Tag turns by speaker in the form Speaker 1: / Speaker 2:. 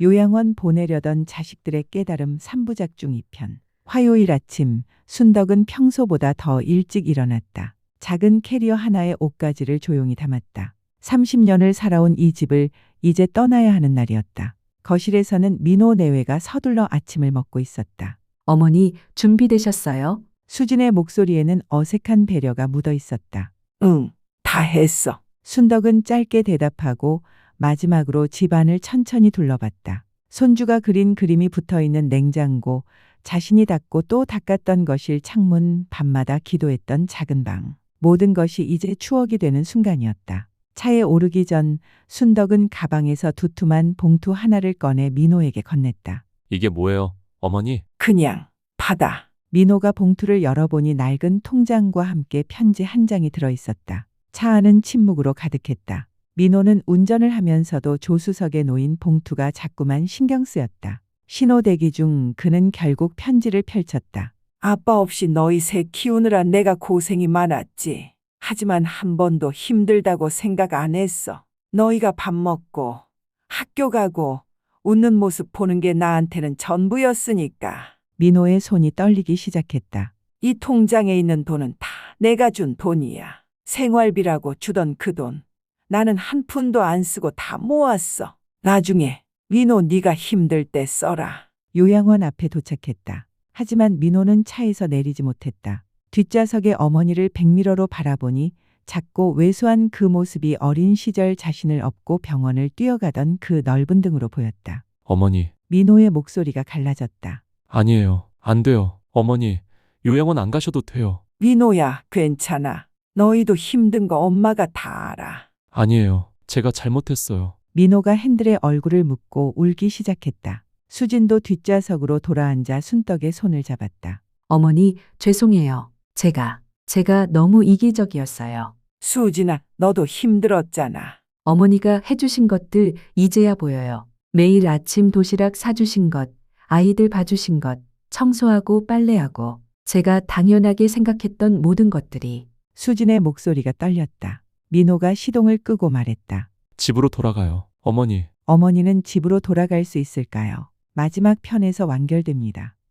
Speaker 1: 요양원 보내려던 자식들의 깨달음 3부작 중 2편. 화요일 아침 순덕은 평소보다 더 일찍 일어났다. 작은 캐리어 하나에 옷가지를 조용히 담았다. 30년을 살아온 이 집을 이제 떠나야 하는 날이었다. 거실에서는 민호 내외가 서둘러 아침을 먹고 있었다.
Speaker 2: 어머니, 준비되셨어요?
Speaker 1: 수진의 목소리에는 어색한 배려가 묻어 있었다. 응, 다 했어. 순덕은 짧게 대답하고 마지막으로 집안을 천천히 둘러봤다. 손주가 그린 그림이 붙어있는 냉장고, 자신이 닦고 또 닦았던 거실 창문, 밤마다 기도했던 작은 방. 모든 것이 이제 추억이 되는 순간이었다. 차에 오르기 전 순덕은 가방에서 두툼한 봉투 하나를 꺼내 민호에게 건넸다.
Speaker 3: 이게 뭐예요, 어머니?
Speaker 1: 그냥 받아. 민호가 봉투를 열어보니 낡은 통장과 함께 편지 한 장이 들어있었다. 차 안은 침묵으로 가득했다. 민호는 운전을 하면서도 조수석에 놓인 봉투가 자꾸만 신경 쓰였다. 신호 대기 중 그는 결국 편지를 펼쳤다. 아빠 없이 너희 새 키우느라 내가 고생이 많았지. 하지만 한 번도 힘들다고 생각 안 했어. 너희가 밥 먹고 학교 가고 웃는 모습 보는 게 나한테는 전부였으니까. 민호의 손이 떨리기 시작했다. 이 통장에 있는 돈은 다 내가 준 돈이야. 생활비라고 주던 그 돈. 나는 한 푼도 안 쓰고 다 모았어. 나중에 민호 네가 힘들 때 써라. 요양원 앞에 도착했다. 하지만 민호는 차에서 내리지 못했다. 뒷좌석의 어머니를 백미러로 바라보니 작고 왜소한 그 모습이 어린 시절 자신을 업고 병원을 뛰어가던 그 넓은 등으로 보였다.
Speaker 3: 어머니,
Speaker 1: 민호의 목소리가 갈라졌다.
Speaker 3: 아니에요. 안 돼요. 어머니, 요양원 안 가셔도 돼요.
Speaker 1: 민호야, 괜찮아. 너희도 힘든 거 엄마가 다 알아.
Speaker 3: 아니에요. 제가 잘못했어요.
Speaker 1: 민호가 핸들에 얼굴을 묻고 울기 시작했다. 수진도 뒷좌석으로 돌아앉아 순덕의 손을 잡았다.
Speaker 2: 어머니, 죄송해요. 제가 너무 이기적이었어요.
Speaker 1: 수진아, 너도 힘들었잖아.
Speaker 2: 어머니가 해주신 것들 이제야 보여요. 매일 아침 도시락 사주신 것, 아이들 봐주신 것, 청소하고 빨래하고, 제가 당연하게 생각했던 모든 것들이.
Speaker 1: 수진의 목소리가 떨렸다. 민호가 시동을 끄고 말했다.
Speaker 3: 집으로 돌아가요. 어머니.
Speaker 1: 어머니는 집으로 돌아갈 수 있을까요? 마지막 편에서 완결됩니다.